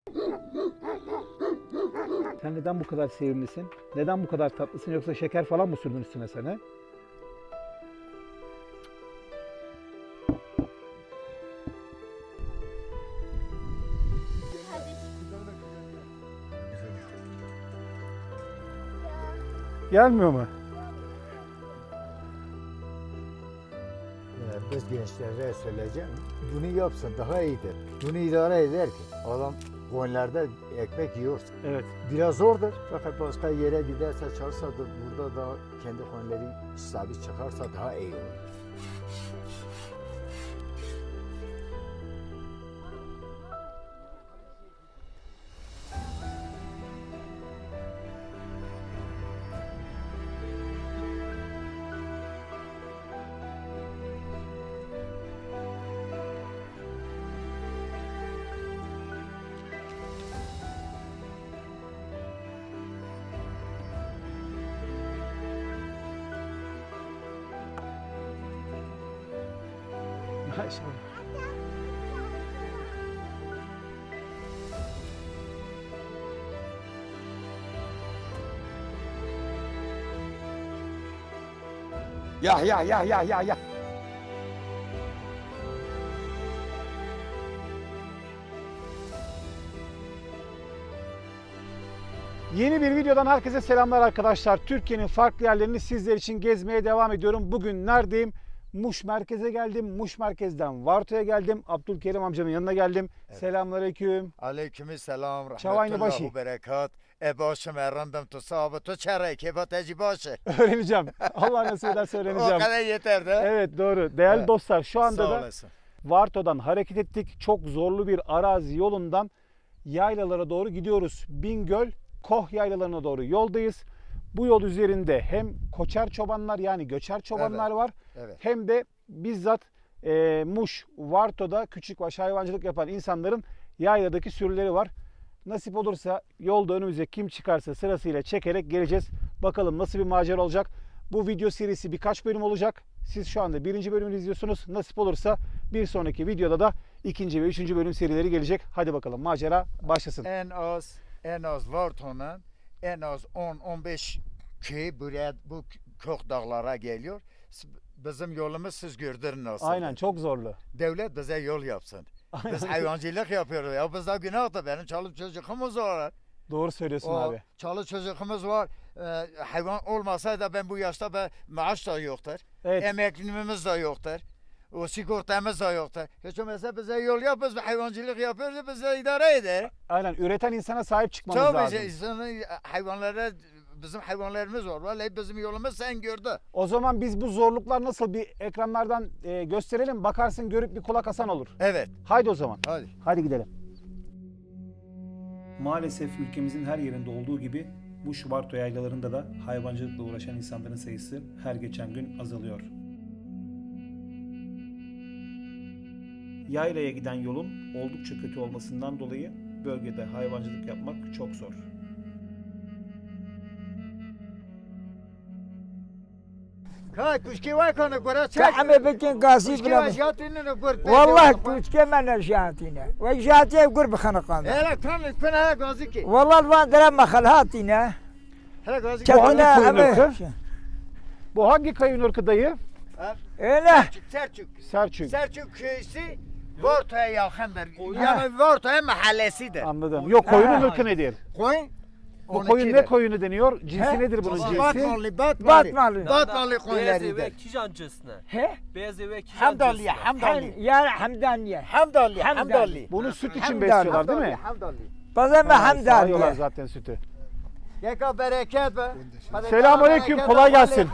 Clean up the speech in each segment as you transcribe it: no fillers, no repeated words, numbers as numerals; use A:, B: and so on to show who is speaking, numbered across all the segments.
A: Sen neden bu kadar sevimlisin? Neden bu kadar tatlısın? Yoksa şeker falan mı sürdün üstüne sana? Gelmiyor mu?
B: Biz gençlere söyleyeceğim, bunu yapsın daha iyidir. Bunu idare eder ki adam koyunlarda ekmek yiyor.
A: Evet.
B: Biraz zordur fakat başka yere giderse çalışsa da burada da kendi koyunları sabit çıkarsa daha iyi olur.
A: Maşallah. Ya. Yeni bir videodan herkese selamlar arkadaşlar. Türkiye'nin farklı yerlerini sizler için gezmeye devam ediyorum. Bugün neredeyim? Muş merkeze geldim. Muş merkezden Varto'ya geldim. Abdülkerim amcanın yanına geldim. Evet. Selamünaleyküm.
B: Aleykümselam.
A: Çavayını başı.
B: Rahmetullahu berekat. Başım errandım tu sahabı tu çare kebap eci başı.
A: Öğreneceğim. Allah nasip ederse öğreneceğim.
B: O kadar yeter de.
A: Evet doğru. Değerli
B: Evet.
A: dostlar şu anda
B: Sağ
A: da
B: olasın.
A: Varto'dan hareket ettik. Çok zorlu bir arazi yolundan yaylalara doğru gidiyoruz. Bingöl, Koh yaylalarına doğru yoldayız. Bu yol üzerinde hem koçer çobanlar yani göçer çobanlar var.
B: Evet.
A: Hem de bizzat Muş, Varto'da küçükbaş hayvancılık yapan insanların yayladaki sürüleri var. Nasip olursa yolda önümüze kim çıkarsa sırasıyla çekerek geleceğiz. Bakalım nasıl bir macera olacak. Bu video serisi birkaç bölüm olacak. Siz şu anda birinci bölümünü izliyorsunuz. Nasip olursa bir sonraki videoda da ikinci ve üçüncü bölüm serileri gelecek. Hadi bakalım macera başlasın.
B: En az Varton'un en az 10-15 köy buraya bu Koh dağlara geliyor. Bizim yolumuz siz gördünüz nasıl?
A: Aynen çok zorlu.
B: Devlet bize yol yapsın. Biz hayvancılık yapıyoruz. Ya bizde günah da benim çoluk çocuğumuz var.
A: Doğru söylüyorsun abi.
B: Çoluk çocuğumuz var. Hayvan olmasaydı ben bu yaşta maaş da yoktur.
A: Evet.
B: Emekliliğimiz de yoktur. O sigortamız da yoktur. Hiç olmazsa bize yol yap, biz hayvancılık yapıyoruz, bize idare eder.
A: Aynen üreten insana sahip çıkmamız lazım.
B: Tabii hayvanlara, bizim hayvanlarımız var. Vallahi bizim yolumuz sen gördü.
A: O zaman biz bu zorluklar nasıl bir ekranlardan gösterelim. Bakarsın görüp bir kulak asan olur.
B: Evet.
A: Haydi o zaman.
B: Hadi.
A: Hadi gidelim. Maalesef ülkemizin her yerinde olduğu gibi Muş Varto yaylalarında da hayvancılıkla uğraşan insanların sayısı her geçen gün azalıyor. Yaylaya giden yolun oldukça kötü olmasından dolayı bölgede hayvancılık yapmak çok zor.
B: Kay kuşki var kanı kura çek.
C: كعمل بكين قاسي
B: Kuşki
C: بلا
B: var jatini kur.
C: والله كوش كمان جاتينا وجاتي قرب خنقانا
B: Hele kanı kun hele gazi ki.
C: والله الوان درام خلهاتينا
B: Hele gazi ki.
C: كنا
A: koyun ırkı?
C: عمل
A: Bu hangi kayın ırkı dayı?
C: ايه
B: Selçuk.
A: Selçuk.
B: Selçuk köyüsü Varto'ya yakındır. Yani Varto'ya mahallesidir.
A: Anladım. Yok koyunun
C: Ha.
A: ırkı nedir?
B: Koyun.
A: Bu koyun ne koyunu deniyor? Cinsi
C: He?
A: nedir bunun cinsi?
B: Batmalı,
C: Batmalı.
B: Batmalı
D: Beyaz
B: koyunlarıdır.
D: eve kijancısına.
C: he
D: Beyaz eve
B: Hamdallı,
D: kijancısına.
B: Hamdallı.
C: يا حمدانية
B: Hamdallı,
C: Hamdallı.
B: Hamdallı.
A: Bunu süt için
C: Hamdallı.
A: besliyorlar değil mi?
B: Hamdallı.
C: بزم
A: Sağıyorlar
C: حمدانية
A: zaten sütü.
B: Yeka bereket be.
A: Selamünaleyküm, kolay gelsin.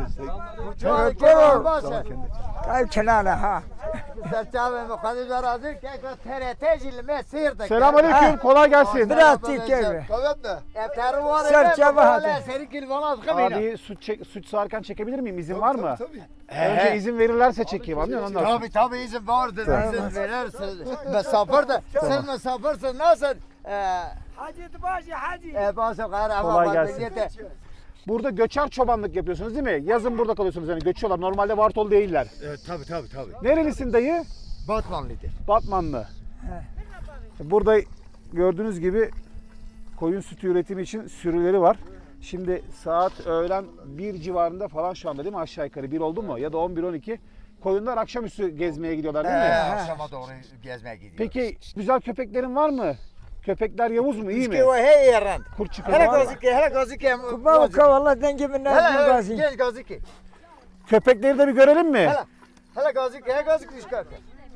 C: كيف كنانا ها
B: Serçave mukaddes arazi keka TRT jilme seyirde.
A: Selamünaleyküm, kolay gelsin.
C: biraz keyfi.
B: Eftarı var.
C: Serçave hadi.
B: Seri kilvanaz kımıyla.
A: Abi süt sağarken çekebilir miyim? İzin var mı?
B: Tabii.
A: Önce izin verirlerse çekeyim anlıyor musun? Ondan sonra.
B: Tabii izin vardır. İzin verirsin. Misafir de. Siz misafirsin nasıl?
C: حاجة تباشي حاجة
B: Bazı gayrı
A: Kolay
B: ama
A: gelsin. Burada göçer çobanlık yapıyorsunuz değil mi? Yazın burada kalıyorsunuz yani göçüyorlar. Normalde Vartolu değiller.
B: Tabii.
A: Nerelisin dayı?
B: Batmanlıdır.
A: Batmanlı. Burada gördüğünüz gibi koyun sütü üretimi için sürüleri var. Şimdi saat öğlen 1 civarında falan şu anda değil mi aşağı yukarı? 1 oldu mu? Ya da 11-12. Koyunlar akşamüstü gezmeye gidiyorlar değil mi?
B: Akşama doğru gezmeye gidiyoruz.
A: Peki güzel köpeklerin var mı? Köpekler yavuz mu? İyi mi?
B: İşte o hey yaran.
A: Kurt çıkıyor.
B: Hele
A: var mı?
B: gazike, hele gazike.
C: Kupa kavala denge min
B: Hele
C: gazi.
B: genç gazike.
A: Köpekleri de bir görelim mi?
B: Hele gazike, hele gazike çıkartın.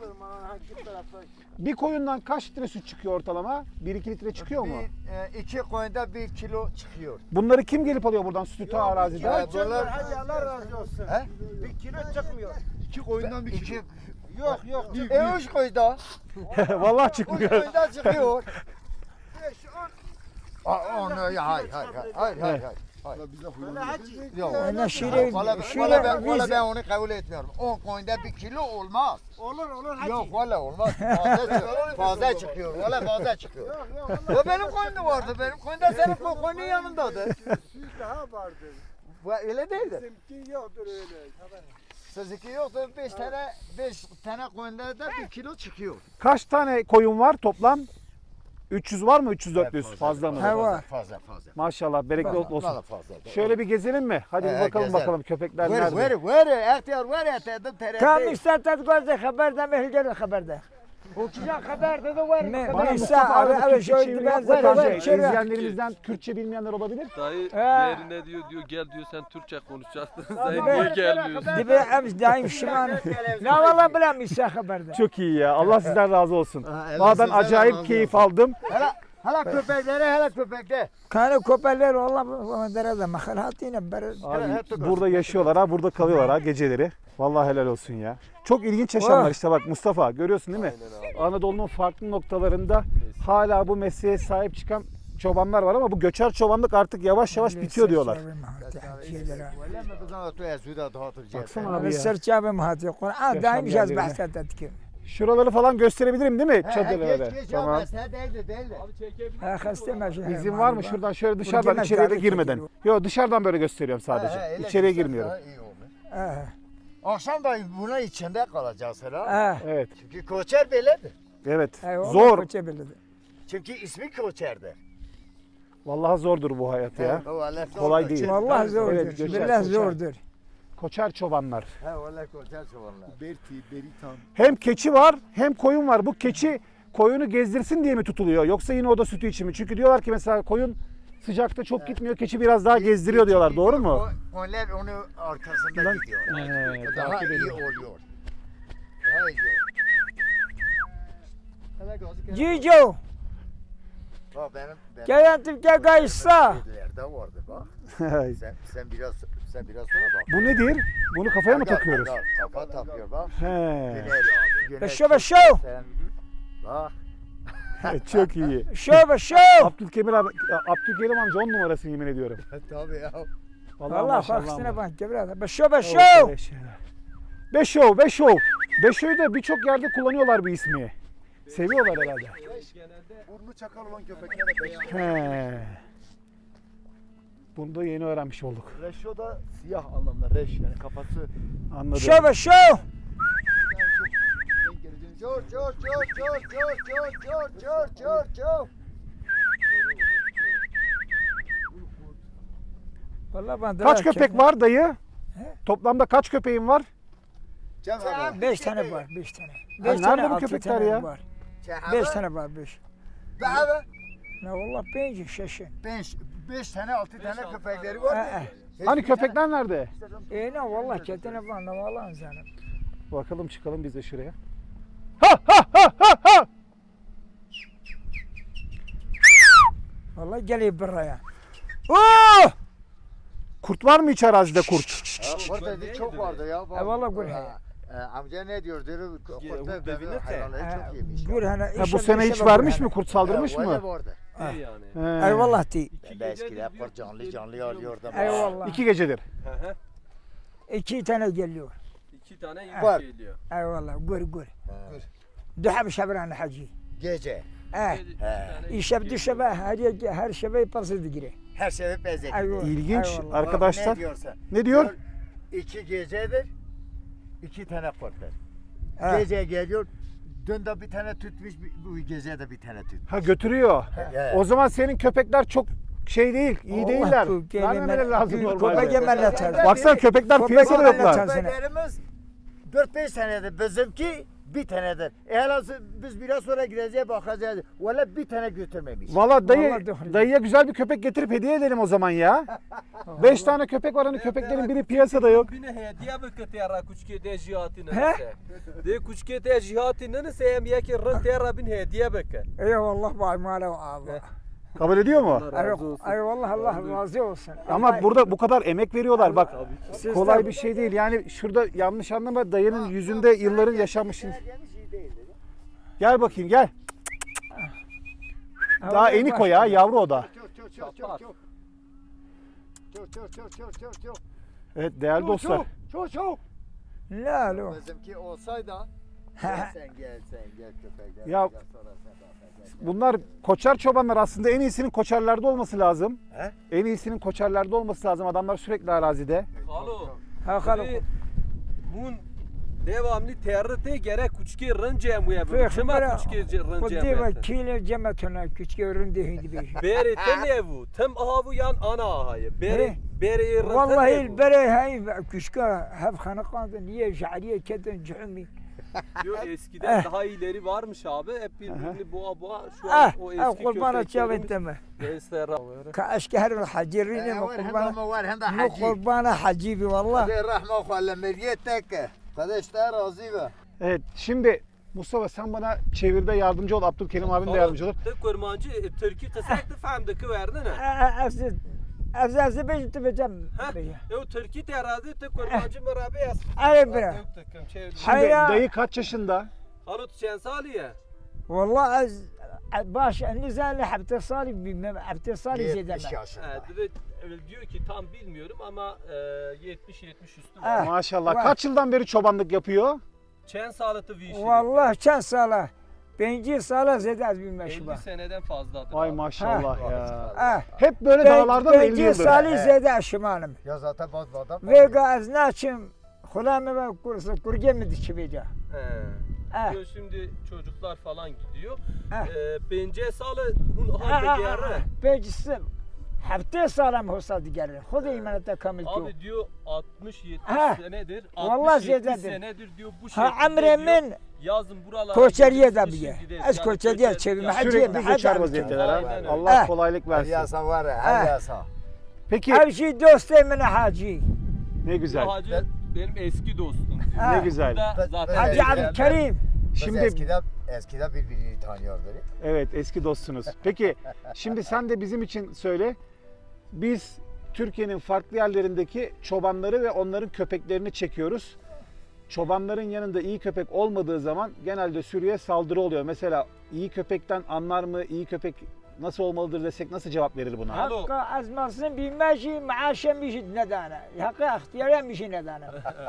A: Bir koyundan kaç litre süt çıkıyor ortalama? 1-2 litre çıkıyor mu?
B: İki koyunda 1 kilo çıkıyor.
A: Bunları kim gelip alıyor buradan sütü arazide?
B: Bunlar
D: Hadi Allah razı olsun.
B: He?
D: Bir kilo çıkmıyor.
E: İki koyundan bir
B: İki,
E: kilo.
D: Yok yok.
B: üç koyunda.
A: Vallahi
B: Üç
A: çıkmıyor.
B: koyunda çıkıyor.
D: 5, 10.
B: Onu hayır.
E: Valla bize huylanıyor.
D: Öyle hacı.
B: Yok.
C: Ana şire
B: Valla ben onu kabul etmiyorum. 10 koyunda 1 kilo olmaz.
D: Olur hacı.
B: Yok valla olmaz. Fazla çıkıyor. Valla fazla çıkıyor.
D: Yok
B: Ya benim koyunda vardı. Benim koyunda senin koyunun yanındadır.
D: Süt daha vardır.
B: Bu öyle değildir.
D: Bizimki yoktur öyle.
B: Sizinki yoksa 5 tane koyunda da 1 kilo çıkıyor.
A: Kaç tane koyun var toplam? 300 var mı? 300-400 fazla mı?
C: Ha, var.
B: Fazla.
A: Maşallah bereketli olsun.
B: Valla fazla.
A: Şöyle bir gezelim mi? Hadi bir bakalım
B: gezelim.
A: bakalım köpekler nerede?
B: Vere, ihtiyar vere, tedim
C: Kam
B: terete.
C: istatat gazi haber da mehgel haber da.
B: Okuyacak haber dedi var.
A: Bana
C: Ben
A: Mustafa
C: abi
A: arada
C: evet
A: Türkçe
C: şöyle
A: çeviri
C: ben
A: yap da
C: zaten
A: bence izleyenlerimizden Kürtçe bilmeyenler olabilir.
F: Dayı
C: Ha.
F: yerine diyor gel diyor sen Türkçe konuşacaksın. Sen
C: Abi,
F: niye gelmiyorsun?
C: dibe ems daim şiman. Ne valla bilam isa haber da.
A: Çok iyi ya. Allah sizden razı olsun.
B: Allah
A: Valla ben
B: sizden
A: acayip
B: razı
A: keyif aldım.
B: Hala köpekler.
C: Kanı köpeller valla bu derede mahalatine ber.
A: Abi burada yaşıyorlar ha, burada kalıyorlar ha geceleri. Vallahi helal olsun ya. Çok ilginç yaşamlar işte bak Mustafa görüyorsun değil mi? Anadolu'nun farklı noktalarında hala bu mesleğe sahip çıkan çobanlar var ama bu göçer çobanlık artık yavaş yavaş bitiyor diyorlar.
B: Valla mı kızım otuya suda dağıtıracağız.
A: Baksana abi ya.
C: Serçabe mahati Kur'an daim
A: Yaşam
C: jaz
A: yerlerine.
C: bahsedet ki.
A: Şuraları falan gösterebilirim değil mi? Çadırları.
B: Geç
A: Tamam.
B: ama sen değildi.
C: Ha hasta maşallah.
A: İzin var mı şuradan şöyle dışarıdan
C: Burada
A: içeriye de
C: davet
A: girmeden?
C: ediyor.
A: Yok dışarıdan böyle gösteriyorum sadece. İçeriye girmiyorum.
C: Ha.
B: Akşam da buna içinde kalacağız herhalde.
C: Ha.
A: Evet.
B: Çünkü koçer böyledir.
A: Evet.
C: Eyvallah,
A: Zor.
C: koça bildi.
B: Çünkü ismi koçerdir.
A: Vallahi zordur bu hayat ya.
B: Vallahi
A: Kolay
B: zordur.
A: değil.
C: Vallahi
A: Evet,
C: zordur.
A: göçer,
C: Billah
A: göçer.
C: zordur.
A: Koçer çobanlar.
B: He vallahi koçer çobanlar.
E: Berti, Beritan.
A: Hem keçi var hem koyun var. Bu keçi koyunu gezdirsin diye mi tutuluyor? Yoksa yine o da sütü için mi? Çünkü diyorlar ki mesela koyun sıcakta çok gitmiyor. Keçi biraz daha gezdiriyor diyorlar. Doğru mu?
B: Onlar onu arkasında gidiyor. Daha
A: takip
B: iyi
A: ediyor.
B: oluyor. Daha iyi oluyor. Hele gözü
C: Cico.
B: Bak benim
C: Gelen Türkiye gaysa.
B: de vardı bak. Sen biraz sonra bak.
A: Bu nedir? Bunu kafaya mı takıyoruz?
B: Kafa takıyor bak.
A: He.
C: Beşo beşo.
B: Bak.
A: Çok iyi.
C: Şo beşo.
A: Abdülkerim abi, Abdülkerim amca 10 numarası yemin ediyorum.
B: Tabii ya.
C: Vallahi
A: maşallah
C: faksine
A: ama.
C: bak gebrada. Beşo beşo.
A: Beşov. Beşo'yu da birçok yerde kullanıyorlar bu ismi. Seviyorlar herhalde.
E: Burnu çakal olan köpeklere beş.
A: He. Bunu da yeni öğrenmiş olduk.
E: Reşo da siyah anlamda. Reş yani kafası.
A: Anladım.
C: Şo beşo.
E: Yani çok denk geleceğiniz.
B: Çor.
C: Vallahi ben
A: Kaç köpek var dayı?
C: He?
A: Toplamda kaç köpeğin var?
B: Cem abi.
C: 5 tane var, 5 tane.
A: nerede
C: 5 tane,
A: bu
C: 6
A: köpekler
C: tane
A: ya?
C: var. 5
B: 5
C: tane var, 5.
B: Abi.
C: Ne vallahi 5 şaşı.
B: 5 tane 6 tane köpekleri var.
A: Hani köpekler nerede?
C: Ne vallahi ketene var, ne vallahi canım.
A: Bakalım çıkalım biz de şuraya. Ha!
C: Vallahi geliyor buraya. Oo!
A: Kurt var mı hiç arazide kurt?
B: Burada çok vardı ya.
C: Vallahi gör.
B: Amca ne diyor? Diyor kurtta
F: devine de.
B: hayvanları çok yemiş.
C: Gör hani.
A: Ha, bu sene hiç vermiş mi? Kurt saldırmış mı?
B: Vardı.
F: İyi yani.
A: He.
C: Eyvallah di.
B: Eskiler kurt canlı alıyor da.
C: Eyvallah.
A: 2 gecedir.
C: 2 tane geliyor.
F: 2 tane
B: Var.
F: yük geliyor.
C: Eyvallah gör. Dehab şabran hacı.
B: Gece.
C: Eh. İşe düşebe her şebe pası digire.
B: Her şey bezek.
C: Eyvallah.
A: İlginç
C: eyvallah.
A: arkadaşlar.
B: Ne diyorsa.
A: Ne diyor?
B: 2 gecedir. 2 tane kurt.
C: Ha.
B: Gece geliyor. Dün de bir tane tutmuş, bu gece de bir tane tutmuş.
A: Ha götürüyor.
B: Evet.
A: O zaman senin köpekler çok şey değil, iyi değiller. Vermemeleri lazım normalde.
C: Köpek yemenle çarpsın.
A: Baksana köpekler
C: Köpek
A: piyasada
C: yemenle
A: yoklar.
C: çarpsın.
B: Köpeklerimiz 4-5 senedir, bizimki bir tanedir. Eğer biz biraz sonra gideceğiz bakacağız. Valla bir tane götürmemiş.
A: Valla dayı,
C: Vallahi doğru.
A: dayıya güzel bir köpek getirip hediye edelim o zaman ya. 5 tane köpek var hani köpeklerin biri piyasada yok.
F: Bine hediye bıkı tera kuçke de jihati
C: He?
F: nese. De kuçke de jihati nese hem yeki rın tera bin hediye bıkı.
C: Eyvallah vay mala abi.
A: Kabul ediyor mu?
C: Eyvallah Allah razı olsun.
A: Ama burada bu kadar emek veriyorlar bak.
C: Siz
A: Kolay
C: de-
A: bir şey değil. Yani şurada yanlış anlama dayının yüzünde yılların yaşanmış. Gel bakayım gel. Daha
C: Allah
A: enik o ya, yavru o da. Evet değerli dostlar.
C: Ne alo?
B: Bizimki olsaydı sen gel köpekler.
A: Ya-
B: gel, sonra sen bakacaksın.
A: Bunlar koçer çobanlar aslında en iyisinin koçerlerde olması lazım.
B: He?
A: En iyisinin koçerlerde olması lazım. Adamlar sürekli arazide.
F: Alo.
C: Ha kalo.
F: Mun devamlı territe gerek kuçke rın cemuye bu.
C: Fıh,
F: Kıma
C: bırak.
F: kuçke rın
C: Kuddi ve
F: cemuye.
C: kile cemetuna küçük öründü hindi bir.
F: Beri tem evu. Tem avu yan ana ahayı. Beri
C: He?
F: beri rın
C: Vallahi البري هاي كشكا هب خنقان niye şariye kedin cühmi.
F: Diyor eskiden daha iyileri varmış abi. Hep birbirini boğa boğa. Şu an o eski
C: قربانة شاف
F: köpeklerimiz.
C: انت ما
F: Gençler.
C: كاشكهر الحجرين
B: قربانة var hem de
C: مو
B: hacı.
C: قربانة حجيبي والله.
B: Hadi rahme okuallah meriyetek. Kardeşler razı be.
A: Evet şimdi Mustafa sen bana çevirde yardımcı ol. Abdülkerim abim de yardımcı olur.
F: Tek kurmancı Türkiye kısaktı fahmdaki verdin ha.
C: أفزد أفزد بيجي تبجم.
F: Ha? O Türkiye terazi tek kurmancı merabe yaz.
C: أي برا.
A: Şimdi
C: Hayır.
A: dayı kaç yaşında?
F: Halut çen saliye.
C: والله باش النزال حبت صالي حبت صالي زي
B: 70
C: دم.
B: yaşında.
F: Diyor ki tam bilmiyorum ama 70 üstü
C: Ha.
F: var.
A: Maşallah.
C: var.
A: Kaç yıldan beri çobanlık yapıyor?
F: Çen sağlıtı bir işi.
C: والله كان صالة. بنجي صالة زيد از
F: 50
C: بالمشبه.
F: seneden fazladır.
A: Ay
F: abi.
A: maşallah ya.
C: آه.
A: Hep böyle dağlarda mı 50
C: بنجي
A: yıldır?
C: صالي زيد از شمالم.
B: Ya zaten bazı adam.
C: ويقا از ناچم خلامه و كورس كورجي مدي بيجا.
F: He. Diyor şimdi çocuklar falan gidiyor.
C: Ha.
F: Bence sağlı hun halde geri.
C: بيجي حبتي صالة مهوصة ديجاري. خذي من التكمل تو.
F: Abi diyor 60-70
C: Ha.
F: senedir.
C: Vallahi
F: 60-70
C: zededir.
F: senedir diyor bu
C: Ha
F: şekilde
C: عمري
F: diyor.
C: من
F: Yazın buralara
C: كوشرية
F: gidiyoruz, kışın
C: دبيه.
F: gideriz.
C: از
F: Yani
C: كوشرية
F: köçer-
C: تشوي
F: Ya
C: محل
A: Sürekli göçer
C: محل.
A: vaziyetteler
F: Aynen
A: ha.
F: öyle.
A: Allah
C: Ha.
A: kolaylık
B: Her
A: versin.
B: yasa var ya, her
C: Ha.
B: yasa.
A: Peki
C: أمشي دوستي من حاجي.
A: ne güzel.
F: Bu hacı benim eski dostum diyor.
C: Ha.
A: Ne güzel.
F: Burada zaten
C: حاجي
B: Evet.
C: عبد الكريم.
B: Biz
A: Şimdi
B: eskiden birbirini tanıyordu.
A: evet eski dostsunuz. Peki şimdi sen de bizim için söyle. Biz Türkiye'nin farklı yerlerindeki çobanları ve onların köpeklerini çekiyoruz. Çobanların yanında iyi köpek olmadığı zaman genelde sürüye saldırı oluyor. Mesela iyi köpekten anlar mı? İyi köpek nasıl olmalıdır desek nasıl cevap verir buna?
F: Alo.
C: حقا از مصر بیمشی معاشه میشید ندانه حقا اختیاری میشی ندانه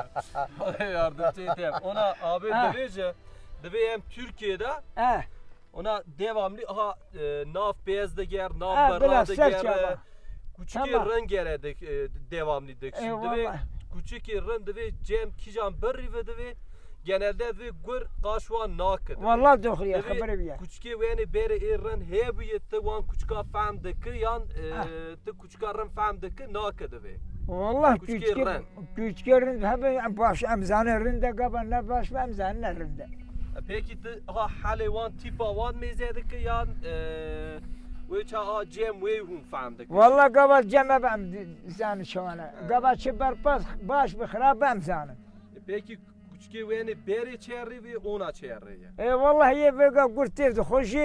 F: yardımcı edeyim. Ona abi
C: Ha.
F: devece deveyem Türkiye'de
C: اه
F: ona devamlı naf beyaz da ger,
C: Ha,
F: naf
C: biraz
F: barra da
C: sert
F: ger.
C: çaba.
F: Küçük
C: Tamam.
F: ren gerede devamlı dek. Şimdi ve
C: Eyvallah.
F: küçük ren de ve cem kijan berri ve de ve genelde ve gur kaşvan naked.
C: والله دخلي خبري بيا
F: Küçük yani beri ren hebiyette wan küçük famdaki yan te küçük ren famdaki naked ve.
C: والله
F: Küçükeren.
C: küçüklerin hep baş emzane rinde gaba ne baş emzane rinde
F: Peki de ha halevan tipa wan mezedeki yan ve ça cem ve hun famdaki.
C: والله قبل جمع بامزان شوانا قبل شبر باس باش بخراب امزانه
F: Peki küçük yani beri çerri ve ona çerri.
C: اي والله هي بقى قلت تخشي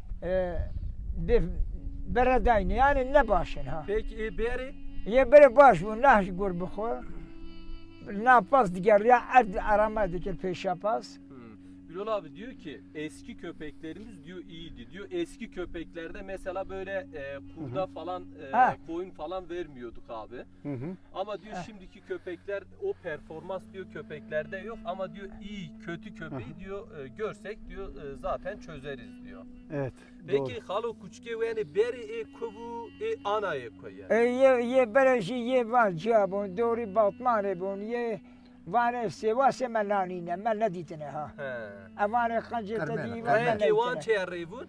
C: بردين يعني نباشن ها
F: Peki beri
C: هي بري باش وناش قول بخور نا باس ديگر يا عد ارامه ديك البيشا باس
F: Bilal abi diyor ki eski köpeklerimiz diyor iyiydi diyor. Eski köpeklerde mesela böyle kurda falan
C: Ha.
F: koyun falan vermiyorduk abi.
A: Hı hı.
F: Ama diyor şimdiki köpekler o performans diyor köpeklerde yok ama diyor iyi kötü köpeği diyor görsek diyor zaten çözeriz diyor.
A: Evet.
F: Peki halo küçük yani beri kubu anaya koyar.
C: ये बड़े شي ये बात جابون دوري باطمانه بون ये Vane sevase men nanine men ne ditine ha.
F: He.
C: Evane kancı
B: Kırmene.
C: tedi men ne
F: Rengi wan
C: ditine.
F: çe revun?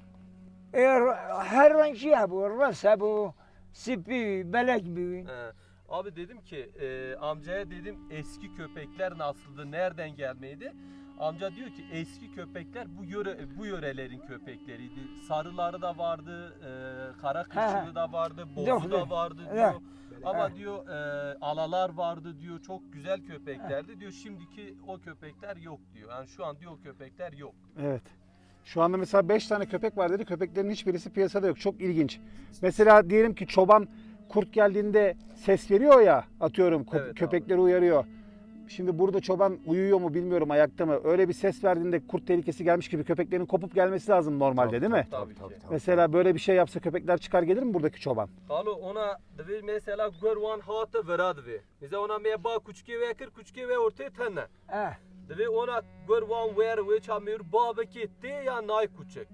C: Her renk şey bu, rasa bu, sipi, belek bu.
F: He. Abi dedim ki amcaya dedim eski köpekler nasıldı, nereden gelmeydi? Amca diyor ki eski köpekler bu yörelerin köpekleriydi. Sarıları da vardı, kara kışığı da vardı, bozu da vardı diyor.
C: Evet.
F: Ama diyor alalar vardı diyor. Çok güzel köpeklerdi diyor. Şimdiki o köpekler yok diyor. Yani şu an diyor o köpekler yok.
A: Evet. Şu anda mesela 5 tane köpek var dedi. Köpeklerin hiçbirisi piyasada yok. Çok ilginç. Mesela diyelim ki çoban kurt geldiğinde ses veriyor ya, atıyorum
F: Evet abi.
A: köpekleri uyarıyor. Şimdi burada çoban uyuyor mu bilmiyorum, ayakta mı? Öyle bir ses verdiğinde kurt tehlikesi gelmiş gibi köpeklerin kopup gelmesi lazım normalde, değil mi?
F: Tabii ki.
A: Mesela böyle bir şey yapsa köpekler çıkar gelir mi buradaki çoban?
F: Alo ona devi mesela görvan hatı verad ve. Bize ona meba kuçki ve kır kuçki ve ortaya tenne. Devi ona görvan ver ve çamir baba kitti ya nay kuçuk.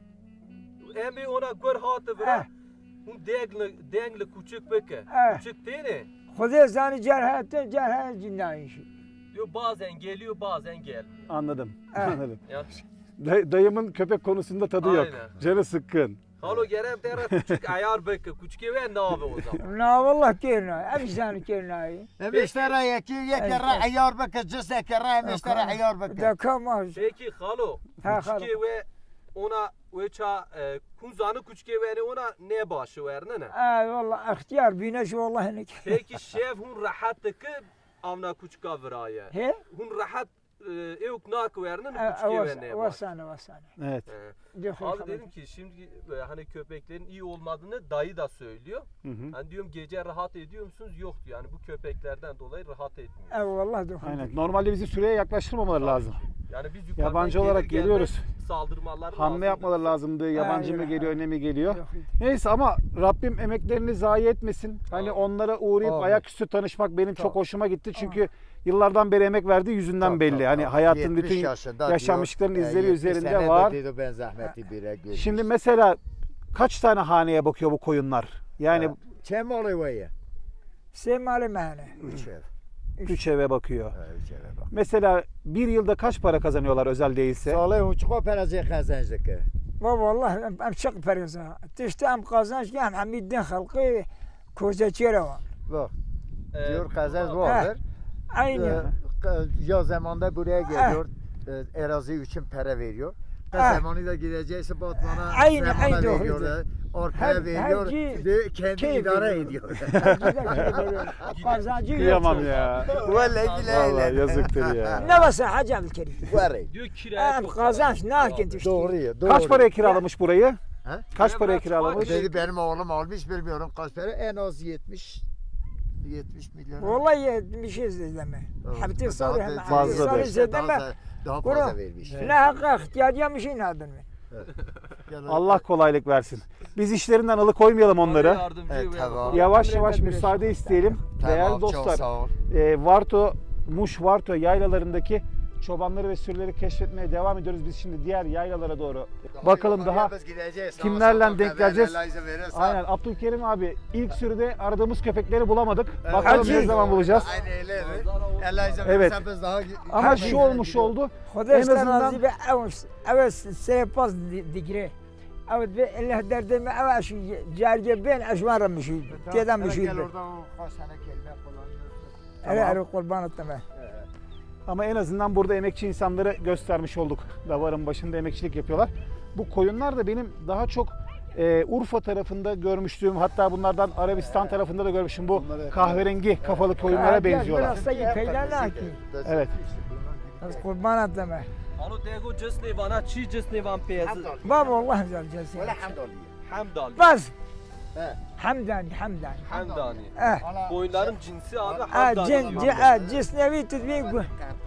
F: Emi ona gör hatı verad. Un dengli kuçuk beke. Kuçuk değil mi?
C: Xude zani cerhat cinnayi şey.
F: Diyor bazen geliyor bazen gelmiyor.
A: Anladım.
C: Evet.
A: Anladım.
F: Ya,
A: Dayımın köpek konusunda tadı yok.
F: Aynen.
A: Canı sıkkın.
F: Halo gerem tera kuçuk ayar beke kuçki ve nave o zaman.
C: Na vallah kerna, ev zani kernayi.
B: Emiştara yekere ayar baka cız yekere emiştara ayar baka.
C: Da kamaz.
F: Peki halo
C: Ha,
F: kuçki ve ona veça kunzanı kuçki ve ona ne başı verne ne?
C: Vallah ihtiyar bineş vallahi nek.
F: Peki şef hun rahattaki avna kuçka viraya.
C: He?
F: Hun rahat evk nak verne kuçki ve ne başı.
C: Vasane.
A: Evet.
F: Abi dedim ki şimdi hani köpeklerin iyi olmadığını dayı da söylüyor.
A: Hı hı.
F: Hani diyorum gece rahat ediyor musunuz? Yok diyor. Yani bu köpeklerden dolayı rahat etmiyor.
C: Vallah dokun.
A: Aynen. Normalde bizi süreye yaklaştırmamaları lazım.
F: Yani biz yukarıdan
A: Yabancı olarak
F: gelir
A: geliyoruz.
F: gelmez saldırmalar
A: Hamle
F: lazımdı.
A: yapmaları lazımdı. Yabancı mı
C: Aynen.
A: geliyor, ne mi geliyor?
C: Yok.
A: Neyse ama Rabbim emeklerini zayi etmesin. Hani
F: Amin.
A: onlara uğrayıp
B: Amin.
A: ayaküstü tanışmak benim çok
B: Tabii.
A: hoşuma gitti. Çünkü yıllardan beri emek verdiği yüzünden belli. Hani hayatın bütün yaşanmışlıkların izleri üzerinde var.
B: Dedi ben zahmeti bire görmüş.
A: Şimdi mesela kaç tane haneye bakıyor bu koyunlar? Yani
B: Çem oluyor ya?
C: Semali mehne.
B: 3 ev.
A: 3 eve bakıyor.
B: 3 eve bak.
A: Mesela bir yılda kaç para kazanıyorlar özel değilse?
B: Salih uçuk operasyonu kazancık.
C: Vallahi em çok pereza. Tişte em kazanç hem hamiddin halkı koza çere var.
B: Bak
F: Ee,
B: diyor kazanç
F: bu-
B: vardır.
C: Aynı.
B: Yaz zamanda buraya geliyor. Erazi için para veriyor. Kış
C: Ha.
B: zamanı da gidecekse Batman'a
C: Aynı,
B: zamana
C: aynı
B: veriyor.
C: doğru.
B: Ortaya
C: Her-
B: veriyor.
C: her
B: Ve kendi
C: keyif
B: idare
C: veriyor.
B: ediyor.
C: Kazancı
A: Kıyamam ya.
B: Vallahi
A: Vallahi yazıktır ya.
C: Ne varsa Hacı Abdülkerim.
B: Var.
F: Diyor kiraya
C: Em
F: çok
C: kazanç
F: para
C: ne hakin
F: abi.
C: tişte.
B: Doğru ya. Doğru.
A: Kaç paraya kiralamış burayı?
B: Ha?
A: Kaç
F: Ya
A: paraya
F: bırak,
A: kiralamış?
B: Dedi benim oğlum almış bilmiyorum kaç para. En az 70 milyon.
C: Vallahi bir şey izleme. Habti
B: Daha
C: sarı
B: da-
C: hem
A: Fazla
C: sarı
A: da.
C: zedeme.
B: Daha
C: Bura.
B: fazla vermiş.
C: Ne hakka ihtiyacı bir şey ne adın mı?
A: Allah kolaylık versin. Biz işlerinden alıkoymayalım onları.
F: Yardımcı
B: Evet,
F: ve-
B: tamam.
A: Yavaş yavaş müsaade isteyelim. Değerli
B: Tamam, çok
A: dostlar,
B: sağ ol.
A: Varto, Muş Varto yaylalarındaki çobanları ve sürüleri keşfetmeye devam ediyoruz. Biz şimdi diğer yaylalara doğru bakalım daha
B: Biz gideceğiz.
A: kimlerle denk geleceğiz.
B: Allah izin verirse.
A: Aynen Abdülkerim abi ilk sürüde aradığımız köpekleri bulamadık. Bakalım
C: Hacı.
A: ne zaman bulacağız.
B: Aynen öyle. Allah izin
A: Evet.
B: verirse biz daha...
A: Ama şu olmuş oldu.
C: Xuda
A: En
C: işte
A: azından-
C: razı be evet seypaz digre. Evet ve Allah derdime evet şu cerce ben ajmara müşid. Tedam müşid.
B: Gel orada o kaç tane kelime kullanıyorsun.
C: Ele ele kurban etme.
A: Ama en azından burada emekçi insanları göstermiş olduk. Davarın başında emekçilik yapıyorlar. Bu koyunlar da benim daha çok Urfa tarafında görmüştüm. Hatta bunlardan Arabistan tarafında da görmüşüm. Bu kahverengi kafalı koyunlara benziyorlar.
C: Biraz da peyderler ki.
A: Evet.
C: Az kurban etme.
F: Ano tego cisne vana çi cisne van peyazı.
C: Baba Allah güzel cesi.
B: Elhamdülillah.
F: Hamdani.
C: Bas.
B: He.
C: Hamdani.
F: Hamdani.
C: Eh.
F: Koyunların cinsi abi
C: Ah
F: hamdani
C: cin
F: diyor.
C: cisnevi tedbir bu.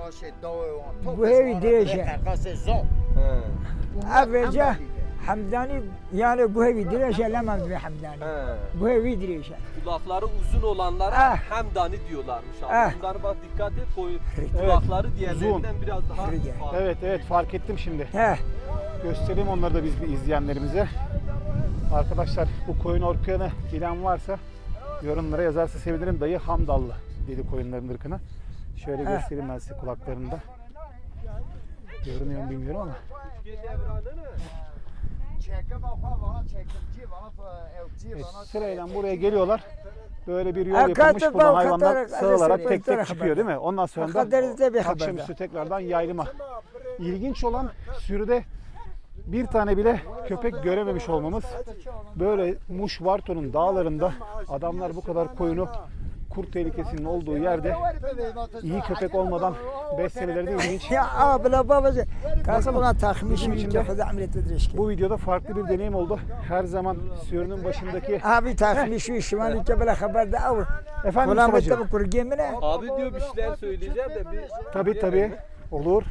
C: Bu
B: Bu
C: hevi direce.
F: He.
C: Avca Hamdani yani bu hevi direce lemez bir Hamdani.
F: He.
C: Bu hevi direce.
F: Kulakları uzun olanlara
C: Ah.
F: hamdani diyorlarmış abi.
C: Ah.
F: Bunlara bak dikkat et koyun. Kulakları diğerlerinden biraz daha
C: Uzun.
F: farklı.
A: Evet fark ettim şimdi.
C: He.
A: Göstereyim onları da biz bir izleyenlerimize. Arkadaşlar bu koyun ırkını bilen varsa yorumlara yazarsa sevinirim. Dayı Hamdallı dedi koyunların ırkına. Şöyle göstereyim ben size kulaklarında. Görünüyor mu bilmiyorum ama. Sırayla buraya geliyorlar. Böyle bir yol yapılmış. Buradan hayvanlar sığılarak tek tek çıkıyor değil mi? Ondan sonra da akşamüstü tekrardan yaylıma. İlginç olan sürüde bir tane bile köpek görememiş olmamız. Böyle Muş Varto'nun dağlarında adamlar bu kadar koyunu kurt tehlikesinin olduğu yerde iyi köpek olmadan beslemeleri de ilginç.
C: Ya abla babacı. Kasım ona
A: Bizim
C: takmış
A: için
C: bir
A: de
C: kefede ameliyat edilmiş.
A: bu videoda farklı bir deneyim oldu. Her zaman sürünün başındaki...
C: Abi takmış şu şimali kebele haberde av.
A: Efendim
C: Ulan
A: Mustafa'cığım?
C: bu kur gemine.
F: Abi diyor bir şeyler söyleyeceğim de bir...
A: Tabii olur.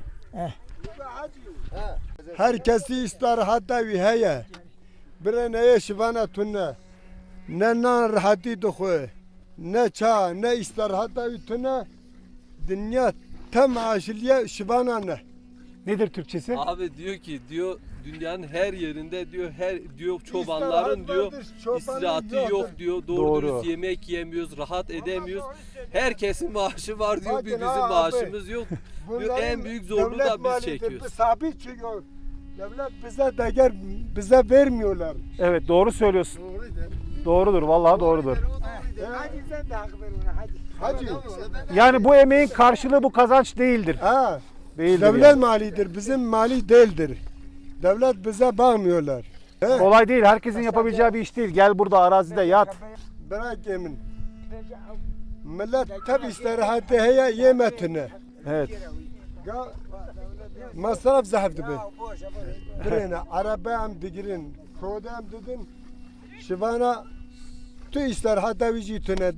D: Herkesi istirahatta heye. Birine şivana tunne. Ne nan rahati duhu. Ne ça ne istirahatta tunne. Dünya tam aşiliye şivana ne.
A: Nedir Türkçesi?
F: Abi diyor ki diyor dünyanın her yerinde diyor diyor çobanların diyor istirahatı yok diyor. Doğru
A: Doğru.
F: dürüst yemek yemiyoruz, rahat edemiyoruz. Herkesin maaşı var diyor.
D: Bakın
F: Bizim
D: ha abi,
F: maaşımız yok. Diyor, en büyük zorluğu
D: devlet
F: da biz
D: malidir,
F: çekiyoruz.
D: Sabit çıkıyor. Devlet bize değer bize vermiyorlar.
A: Evet doğru söylüyorsun. Doğrudur vallahi doğrudur.
C: Hadi sen de hak ver ona hadi.
D: Hacı.
A: Yani bu emeğin karşılığı bu kazanç değildir.
D: Ha.
A: Değildir
D: Devlet
A: yani.
D: malidir, bizim mali değildir. Devlet bize bakmıyorlar. He?
A: Kolay değil. Herkesin yapabileceği bir iş değil. Gel burada arazide yat.
D: Bırak yemin. Millet tabi istirahatı heye yemetine.
A: Evet.
D: Masraf zahirdi be. Birine arabam digirin, kodam dedin. Şivana tu istirahatı vücutuna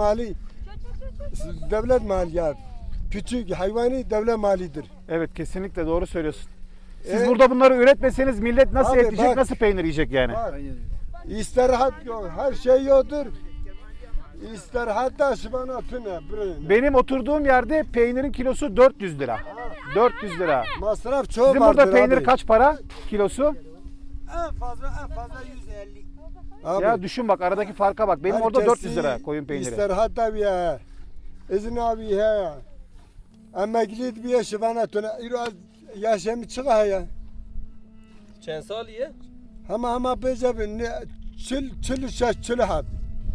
D: devlet mali ya. Küçük hayvani devlet malidir.
A: Evet kesinlikle doğru söylüyorsun. Siz
D: Evet.
A: burada bunları üretmeseniz millet nasıl
D: Abi
A: et yiyecek,
D: bak.
A: nasıl peynir yiyecek yani?
D: Bak, istirahat yok, her şey yoktur. İstirahat da şivana tüne. Birine.
A: Benim oturduğum yerde peynirin kilosu 400 lira. 400 lira.
D: Masraf çok
A: Sizin
D: vardır
A: burada peynir
D: abi.
A: kaç para kilosu?
C: En fazla 150.
D: Abi,
A: Ya düşün bak aradaki farka bak. Benim orada
D: herkesi
A: 400 lira koyun peyniri.
D: İstirahat da bir ya. İzin abi ya. Emekli bir şivana tüne. İro yaşamı çıkıyor ya.
F: Çen saliye?
D: Ama bece ne çül şaş çül hat.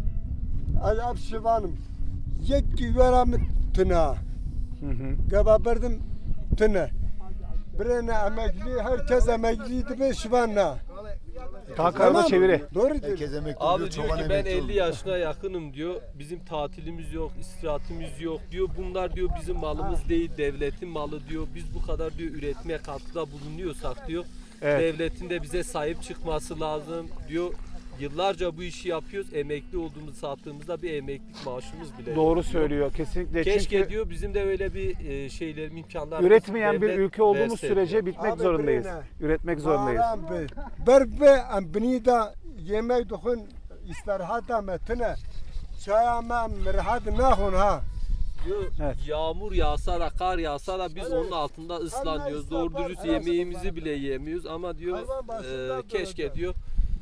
D: Azap şivanım. Yek yuvaram tüne.
A: Hı hı.
D: Gababerdim tüne. Birine emekli, herkes emekliydi be şivanla.
A: Kalkarına çeviri.
D: Doğru diyor.
E: Herkes emekli
F: Abi
E: oluyor,
F: diyor
E: çoban
F: ki ben
E: emekli
F: 50
E: oluyor.
F: yaşına yakınım diyor. Bizim tatilimiz yok, istirahatimiz yok diyor. Bunlar diyor bizim malımız değil, devletin malı diyor. Biz bu kadar diyor üretmeye katkıda bulunuyorsak diyor.
A: Evet.
F: Devletin de bize sahip çıkması lazım diyor. Yıllarca bu işi yapıyoruz. Emekli olduğumuz sattığımızda bir emeklilik maaşımız bile yok
A: Doğru
F: diyor.
A: söylüyor kesinlikle.
F: Keşke
A: Çünkü
F: diyor bizim de öyle bir şeyler imkanlar
A: üretmeyen bir ülke olduğumuz sürece bitmek
D: Abi
A: zorundayız.
D: birine.
A: Üretmek zorundayız.
D: Bağlam be. Berbe beni da yemek dokun istirahata metine. Çayama mirhat nahun ha.
F: Diyor,
A: Evet.
F: yağmur yağsa da kar yağsa da biz onun altında ıslanıyoruz. Doğru dürüst yemeğimizi bile yemiyoruz ama diyor
D: Hayvan başından
F: keşke
D: dönecek.
F: diyor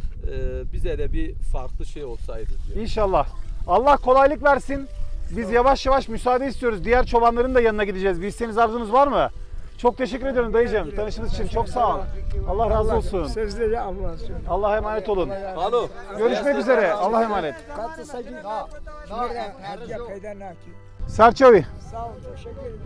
F: bize de bir farklı şey olsaydı diyor.
A: İnşallah. Allah kolaylık versin. Biz yavaş yavaş müsaade istiyoruz. Diğer çobanların da yanına gideceğiz. Bir isteğiniz arzunuz var mı? Çok teşekkür ediyorum dayıcığım. Tanıştığınız için çok sağ ol. Allah razı olsun.
C: Sözleri Allah'a söyle.
A: Allah'a emanet olun.
F: Alo.
A: Görüşmek üzere. Allah'a emanet.
C: Katı sacı. Nereden hediye peyda nakil.
A: Serçavi.
C: Sağ ol, teşekkür ederim.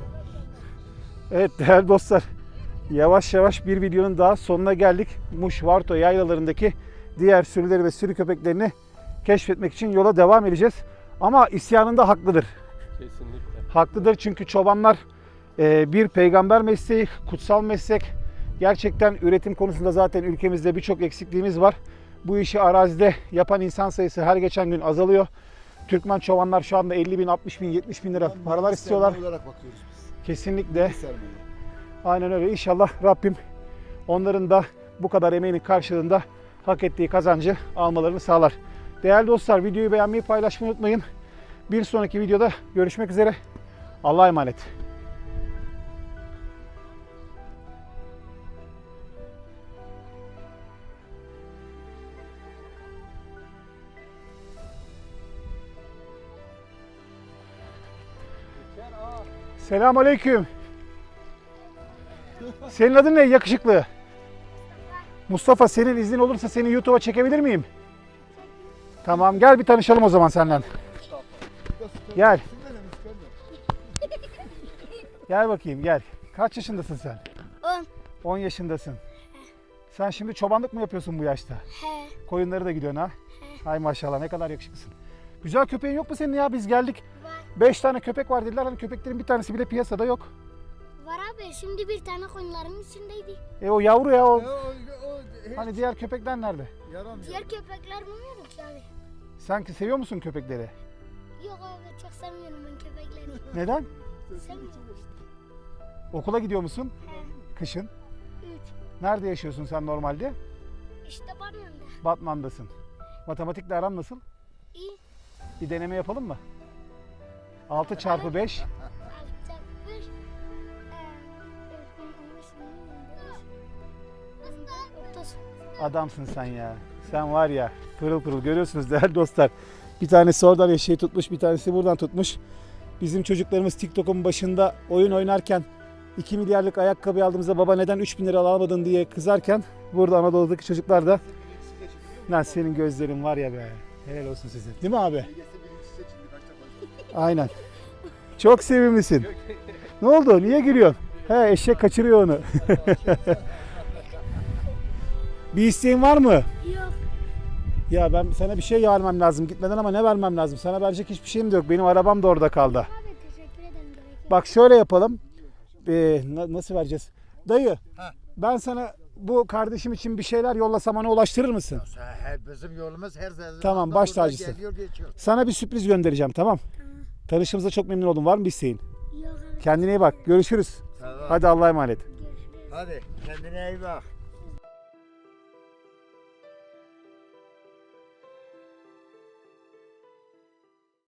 A: Evet değerli dostlar. Yavaş yavaş bir videonun daha sonuna geldik. Muş Varto yaylalarındaki diğer sürüleri ve sürü köpeklerini keşfetmek için yola devam edeceğiz. Ama isyanında haklıdır.
F: Kesinlikle.
A: Haklıdır çünkü çobanlar bir peygamber mesleği, kutsal meslek. Gerçekten üretim konusunda zaten ülkemizde birçok eksikliğimiz var. Bu işi arazide yapan insan sayısı her geçen gün azalıyor. Türkmen çobanlar şu anda 50 bin, 60 bin, 70 bin lira paralar istiyorlar.
E: olarak bakıyoruz biz.
A: Kesinlikle.
E: Sermaye.
A: Aynen öyle. İnşallah Rabbim onların da bu kadar emeğinin karşılığında hak ettiği kazancı almalarını sağlar. Değerli dostlar videoyu beğenmeyi, paylaşmayı unutmayın. Bir sonraki videoda görüşmek üzere. Allah'a emanet. Selamünaleyküm. Senin adın ne yakışıklı? Mustafa, senin iznin olursa seni YouTube'a çekebilir miyim? Tamam, gel bir tanışalım o zaman senden. Gel. Gel bakayım, gel. Kaç yaşındasın sen?
G: 10.
A: 10 yaşındasın. Sen şimdi çobanlık mı yapıyorsun bu yaşta?
G: He.
A: Koyunları da gidiyorsun ha? Hay maşallah, ne kadar yakışıklısın. Güzel köpeğin yok mu senin ya? Biz geldik.
G: Var.
A: 5 tane köpek var dediler. Hani köpeklerin bir tanesi bile piyasada yok.
G: Var abi, şimdi bir tane koyunların içindeydi.
A: O yavru ya o.
D: O
A: Hani diğer köpekler nerede?
D: yaramıyor.
G: Diğer köpekler bilmiyorum ki abi.
A: Sen seviyor musun köpekleri?
G: Yok abi, çok sevmiyorum ben köpekleri.
A: Neden?
G: Sevmiyorum.
A: Okula gidiyor musun?
G: He.
A: Kışın.
G: 3.
A: Nerede yaşıyorsun sen normalde?
G: İşte Batman'da.
A: Batman'dasın. Matematikle aran nasıl?
G: İyi.
A: Bir deneme yapalım mı? 6 çarpı 5.
G: 6 30.
A: Adamsın sen ya. Sen var ya, pırıl pırıl, görüyorsunuz değerli dostlar. Bir tanesi oradan eşeği tutmuş, bir tanesi buradan tutmuş. Bizim çocuklarımız TikTok'un başında oyun oynarken 2 milyarlık ayakkabı aldığımızda baba neden 3.000 lira alamadın diye kızarken burada Anadolu'daki çocuklar da lan senin gözlerin var ya be. Helal olsun size. Değil mi abi? Aynen. Çok sevimlisin. Ne oldu? Niye gülüyorsun? He, eşek kaçırıyor onu. Bir isteğin var mı?
G: Yok.
A: Ya ben sana bir şey vermem lazım gitmeden ama ne vermem lazım? Sana verecek hiçbir şeyim de yok. Benim arabam da orada kaldı.
G: Abi teşekkür ederim. Gerek yok.
A: Bak şöyle yapalım. Nasıl vereceğiz? Dayı,
B: Ha.
A: ben sana bu kardeşim için bir şeyler yollasam ona ulaştırır mısın?
B: Bizim yolumuz her zaman
A: Tamam, baş
B: burada
A: tacısın.
B: geliyor geçiyor.
A: Sana bir sürpriz göndereceğim, tamam? Tanıştığımıza çok memnun oldum. Var mı bir isteğin?
G: Yok abi.
A: Kendine iyi bak. Görüşürüz.
B: Tamam.
A: Hadi Allah'a emanet.
G: Görüşürüz.
B: Hadi kendine iyi bak.